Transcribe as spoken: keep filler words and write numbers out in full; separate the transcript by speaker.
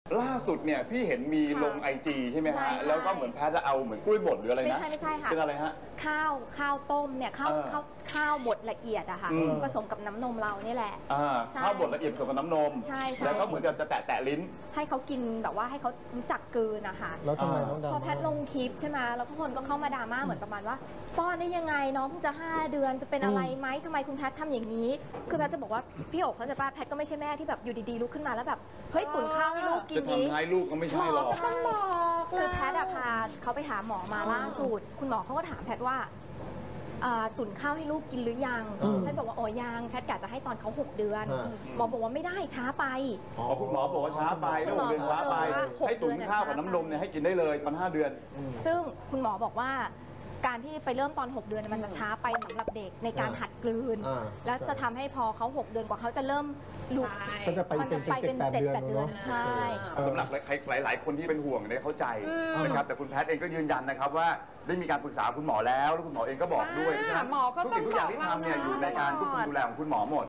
Speaker 1: ล่าสุดเนี่ยพี่เห็นมีลงไอจีใช่ไหมฮะแล้วก็เหมือนแพทย์จะเอาเหมือนกล้วยบดหรืออะไรนะ
Speaker 2: ไม่ใช่ไม่ใช่ค่ะ
Speaker 1: เป็นอะไรฮะ
Speaker 2: ข้าวข้าวต้มเนี่ยข้าวข้าวข้าวบดละเอียดอะค่ะผสมกับน้ำนมเรานี่แหละ
Speaker 1: ข้าวบดละเอียดผสมกับน้ำนม
Speaker 2: ใช่
Speaker 1: แล้วก็เหมือนกับจะแตะแตะลิ้น
Speaker 2: ให้เขากินแบบว่าให้เขารู้จักกลืนนะคะ
Speaker 3: แล้วทำไมต้องดราม่า
Speaker 2: พอแพทย์ลงคลิปใช่ไหมแล้วทุกคนก็เข้ามาดราม่าเหมือนประมาณว่าป้อนได้ยังไงน้องเพิ่งจะห้าเดือนจะเป็นอะไรไหมทำไมคุณแพทย์ทำอย่างนี้คือแพทย์จะบอกว่าพี่โอ๋เขาจะป้าแพทย์ก็ไม่ใช่แม่ที่แบบอยู่ดีๆลุกขึ้นมาแล้วแบบเฮ้ยตุ๋นข้าวให้ลูกกินนี้
Speaker 1: จะทำให้ลูกก็ไม่ใช่หรอก
Speaker 2: ต้องบอกคือแพทย์พาเขาไปหาหมอมาล่าสุดคุณหมอเขาก็ถามแพทย์ว่าตุ๋นข้าวให้ลูกกินหรือยังแพทย์บอกว่าอ๋อยังแพทย์กะจะให้ตอนเขาหกเดือนหมอบอกว่าไม่ได้ช้าไป
Speaker 1: อ๋อคุณหมอบอกว่าช้าไปแล้วหกเดือนช้าไปให้ตุ๋นข้าวกับน้ำนมเนี่ยให้กินได้เลยตอนห้าเดือน
Speaker 2: ซึ่งคุณหมอบอกว่าการที่ไปเริ่มตอนหกเดือนมันจะช้าไปสำหรับเด็กในการหัดกลืนแล้วจะทำให้พอเขาหกเดือนกว่าเขาจะเริ่มลุก
Speaker 3: ก็จะไปเป็นเจ็ดแปดเดือน
Speaker 2: ใช่
Speaker 1: สำหรับหลายๆคนที่เป็นห่วงเนี่ยเข้าใจนะครับแต่คุณแพทย์เองก็ยืนยันนะครับว่าได้มีการปรึกษาคุณหมอแล้วแล้วคุณหมอเองก็บอกด้วยเพราะฉะนั้นทุกสิ่งทุกอย่างที่ทำเนี่ยอยู่ในการควบคุมดูแลของคุณหมอหมด